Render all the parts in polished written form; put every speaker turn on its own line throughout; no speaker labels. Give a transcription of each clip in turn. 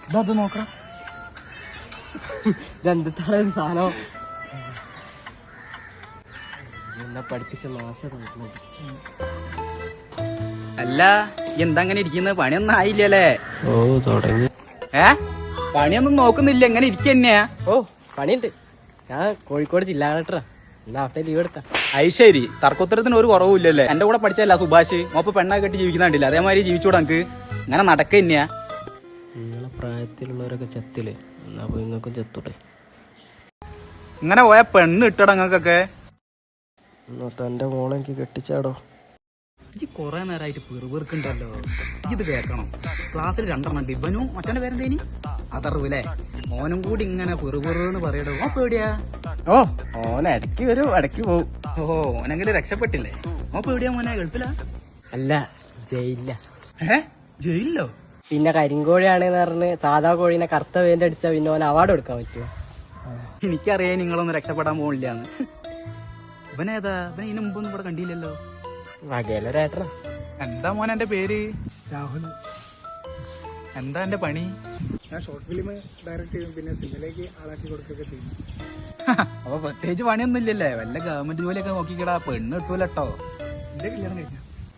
ഇതത് നോക്കണം. ഇതെന്താണ് സാധനം? എന്നെ പഠിപ്പിച്ച മാസം.
അല്ല എന്താ അങ്ങനെ ഇരിക്കുന്നത്? പണിയൊന്നും ആയില്ലല്ലേ?
ഓ തുടങ്ങി.
പണിയൊന്നും നോക്കുന്നില്ല, എങ്ങനെ ഇരിക്കന്നെയാ?
ഓ പണിയുണ്ട്. ഞാൻ കോഴിക്കോട് ജില്ലാ കളക്ടറാ. എന്നാ അവിടെ ലീവ് എടുത്താ.
അത് ശരി, തർക്കോത്തരത്തിന് ഒരു കുറവില്ലല്ലേ? എന്റെ കൂടെ പഠിച്ചല്ല സുഭാഷ്, മോപ്പ് പെണ്ണാ കെട്ടി ജീവിക്കുന്നുണ്ടില്ല, അതേമാതിരി ജീവിച്ചൂടാ നമുക്ക്. ഇങ്ങനെ നടക്ക തന്നെയാ.
നിങ്ങളെ പ്രായത്തിലുള്ളവരൊക്കെ ചെത്തില്ലേ, എന്നാ പോയി നിങ്ങൾക്കും ചെത്തൂടെ?
ഇങ്ങനെ പോയ പെണ്ണ് ഇട്ടട നിങ്ങൾക്കൊക്കെ.
എന്നിട്ട് എന്റെ മോളെ എനിക്ക് കെട്ടിച്ചാടോ.
ഈ കൊറേ നേരമായിട്ട് പെറുപെറുക്കുണ്ടല്ലോ, ഇത് കേൾക്കണം. ക്ലാസ്സിൽ 2 എണ്ണം ഡിബനും മറ്റേ പേരെന്തേനി അതറിവില്ലേ? മോനും കൂടി ഇങ്ങനെ പെറുപെറുന്ന് പറയടോ. ഓ പേടിയാ?
ഓ ഓന ഇടയ്ക്ക് വരും ഇടയ്ക്ക് പോവും.
ഓ ഓനെങ്കിലും രക്ഷപ്പെട്ടില്ലേ? ഓ പേടിയാ മോനെ? ഗൾഫിലാ?
അല്ല, ജയിലില്ല.
ജയിലിലോ?
പിന്നെ കരിങ്കോഴിയാണെന്ന് പറഞ്ഞ് സാധാ കോഴീനെ കറുത്ത വേന്റെ അടിച്ചാ പിന്നെ ഓൻ അവാർഡ് കൊടുക്കാൻ പറ്റുമോ?
എനിക്കറിയാം നിങ്ങളൊന്നും രക്ഷപ്പെടാൻ പോണില്ലാന്ന്. ഇവനേതാ? ഇവനെ ഇതിനു മുമ്പൊന്നും ഇവിടെ കണ്ടില്ലല്ലോ.
വകയിലൊരേട്ടനാ.
എന്താ മോനെ എന്റെ പേര്? രാഹുൽ. എന്താ എന്റെ പണി?
ഞാൻ ഷോർട്ട് ഫിലിം ഡയറക്ട് ചെയ്യും, പിന്നെ സിനിമയിലേക്ക് ആളാക്കി കൊടുക്കുകയൊക്കെ ചെയ്യും.
അപ്പൊ പ്രത്യേകിച്ച് പണിയൊന്നും ഇല്ലല്ലേ? വല്ല ഗവൺമെന്റ് ജോലിയൊക്കെ നോക്കിക്കടാ, പെണ്ണ് കിട്ടൂലട്ടോ.
എന്റെ കല്യാണം കഴിഞ്ഞ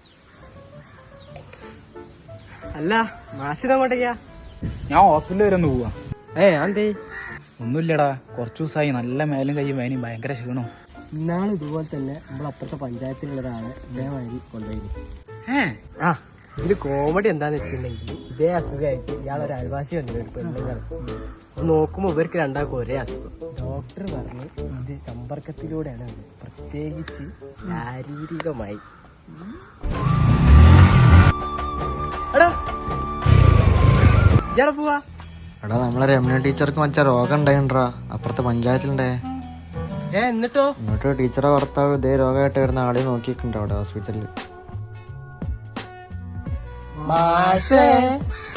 അല്ല മാസിത് അങ്ങോട്ടേക്കാ?
ഞാൻ ഹോസ്പിറ്റലിൽ വരെ ഒന്ന് പോവാ.
അന്തേ?
ഒന്നുമില്ലടാ, കുറച്ചു ദിവസമായി നല്ല മേലും കയ്യും വേനയും ഭയങ്കര ക്ഷീണോ.
ഇന്നാള് ഇതുപോലെ തന്നെ നമ്മളപ്പുറത്തെ പഞ്ചായത്തിലുള്ളതാണ് ഇതേമാതിരി കൊണ്ടുപോയി. ഇതില് കോമഡി എന്താന്ന് വെച്ചിട്ടുണ്ടെങ്കിൽ ഇതേ അസുഖമായിട്ട് ഇയാളൊരു അയൽവാസി വന്നിട്ട് പെണ്ണുങ്ങള് നോക്കുമ്പോ ഇവർക്ക് രണ്ടാൾക്കും ഒരേ അസുഖം. ഡോക്ടർ പറഞ്ഞു ഇത് സമ്പർക്കത്തിലൂടെയാണ് അത്, പ്രത്യേകിച്ച് ശാരീരികമായി. എടാ ഇയാളെ പോവാ?
എടാ നമ്മളെ രമണ ടീച്ചർക്ക് മറ്റേ രോഗം ഉണ്ടായിണ്ടാ അപ്പുറത്തെ പഞ്ചായത്തിലുണ്ടേ.
എന്നിട്ടോ?
എന്നിട്ട് ടീച്ചറെ ഭർത്താവ് ഇതേ രോഗമായിട്ട് വരുന്ന ആളെ നോക്കിയിട്ടുണ്ട് അവിടെ ഹോസ്പിറ്റലിൽ.